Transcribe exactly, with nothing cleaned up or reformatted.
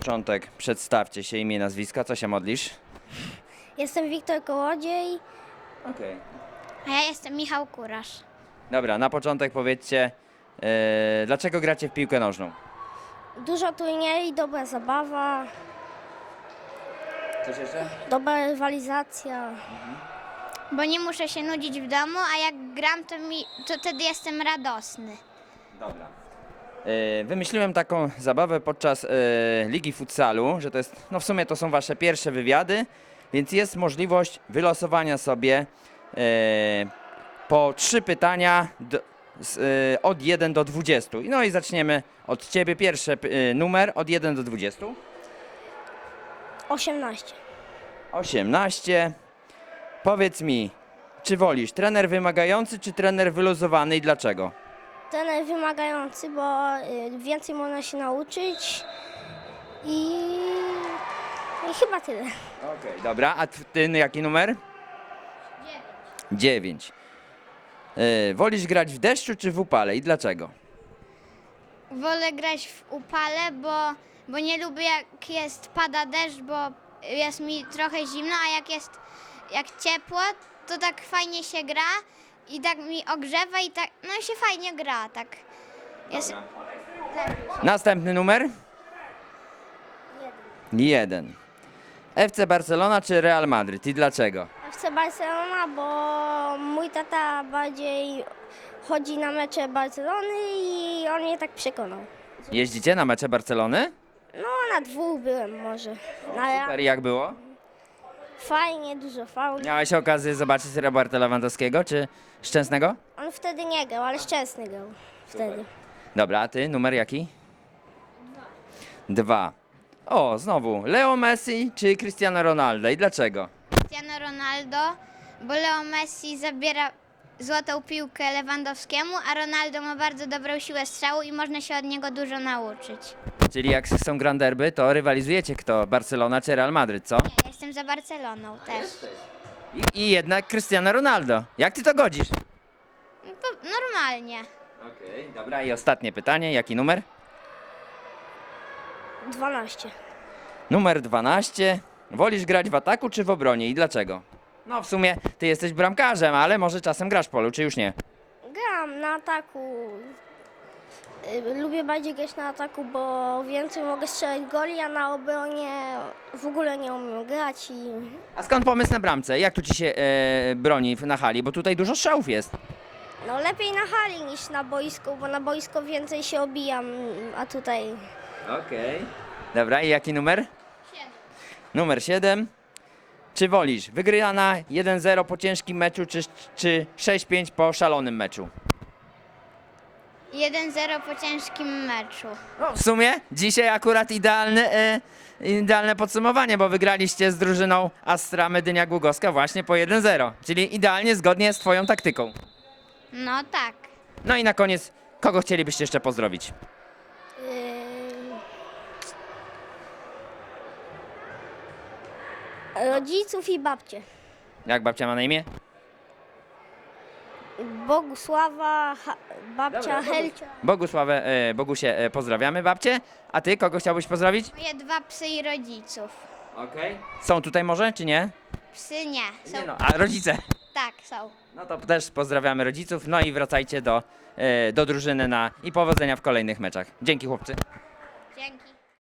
początek przedstawcie się, imię, nazwiska, co się modlisz? Jestem Wiktor Kołodziej. Okej. A ja jestem Michał Kurasz. Dobra, na początek powiedzcie, e, dlaczego gracie w piłkę nożną? Dużo turniej, dobra zabawa, Coś jeszcze? dobra rywalizacja. Bo nie muszę się nudzić w domu, a jak gram, to, mi, to wtedy jestem radosny. Dobra. E, Wymyśliłem taką zabawę podczas e, Ligi Futsalu, że to jest, no w sumie to są wasze pierwsze wywiady, więc jest możliwość wylosowania sobie e, po trzy pytania do, z, e, od jeden do dwudziestu. No i zaczniemy od ciebie. Pierwszy e, numer od jeden do dwudziestu. osiemnaście. osiemnaście. Powiedz mi, czy wolisz trener wymagający, czy trener wyluzowany i dlaczego? Trener wymagający, bo y, więcej można się nauczyć i, i chyba tyle. Okej, dobra. A t- ty jaki numer? dziewięć. Yy, wolisz grać w deszczu czy w upale i dlaczego? Wolę grać w upale, bo, bo nie lubię jak jest, pada deszcz, bo jest mi trochę zimno, a jak jest jak ciepło, to tak fajnie się gra i tak mi ogrzewa i tak, no i się fajnie gra, tak. Jest, Następny numer? Jeden. F C Barcelona czy Real Madryt i dlaczego? Chcę Barcelona, bo mój tata bardziej chodzi na mecze Barcelony i on mnie tak przekonał. Jeździcie na mecze Barcelony? No na dwóch byłem może. Na, Super, i jak było? fajnie, dużo fauli. Miałeś okazję zobaczyć Roberta Lewandowskiego czy Szczęsnego? On wtedy nie grał, ale Szczęsny grał wtedy. Dobra, a ty numer jaki? Dwa. O, znowu. Leo Messi czy Cristiano Ronaldo i dlaczego? Cristiano Ronaldo, bo Leo Messi zabiera złotą piłkę Lewandowskiemu, a Ronaldo ma bardzo dobrą siłę strzału i można się od niego dużo nauczyć. Czyli jak są Grand Derby, to rywalizujecie kto? Barcelona czy Real Madryt, co? Ja jestem za Barceloną też. I, i jednak Cristiano Ronaldo. Jak ty to godzisz? Po, normalnie. Okej, dobra. I ostatnie pytanie. Jaki numer? dwanaście. Numer dwanaście. Wolisz grać w ataku czy w obronie i dlaczego? No w sumie ty jesteś bramkarzem, ale może czasem grasz w polu, czy już nie? Gram na ataku. Y, Lubię bardziej grać na ataku, bo więcej mogę strzelać goli, a na obronie w ogóle nie umiem grać i A skąd pomysł na bramce? Jak tu ci się e, broni na hali? Bo tutaj dużo strzałów jest. no lepiej na hali niż na boisku, bo na boisko więcej się obijam, a tutaj Okej. Dobra, i jaki numer? Numer siedem. Czy wolisz wygrana jeden zero po ciężkim meczu, czy, czy sześć pięć po szalonym meczu? jeden zero po ciężkim meczu. No, w sumie dzisiaj akurat idealne, e, idealne podsumowanie, bo wygraliście z drużyną Astra Medynia Głogowska właśnie po jeden zero, czyli idealnie zgodnie z twoją taktyką. No tak. No i na koniec, kogo chcielibyście jeszcze pozdrowić? yy, rodziców i babcie. Jak babcia ma na imię? Bogusława, ha, babcia Helcia. Bogusławę, e, Bogusie, e, pozdrawiamy babcie. A ty, kogo chciałbyś pozdrowić? Moje dwa psy i rodziców. Okej. Są tutaj może, czy nie? Psy nie. Są, Nie no, a rodzice? Tak, są. No to też pozdrawiamy rodziców, no i wracajcie do, e, do drużyny na i powodzenia w kolejnych meczach. Dzięki chłopcy. Dzięki.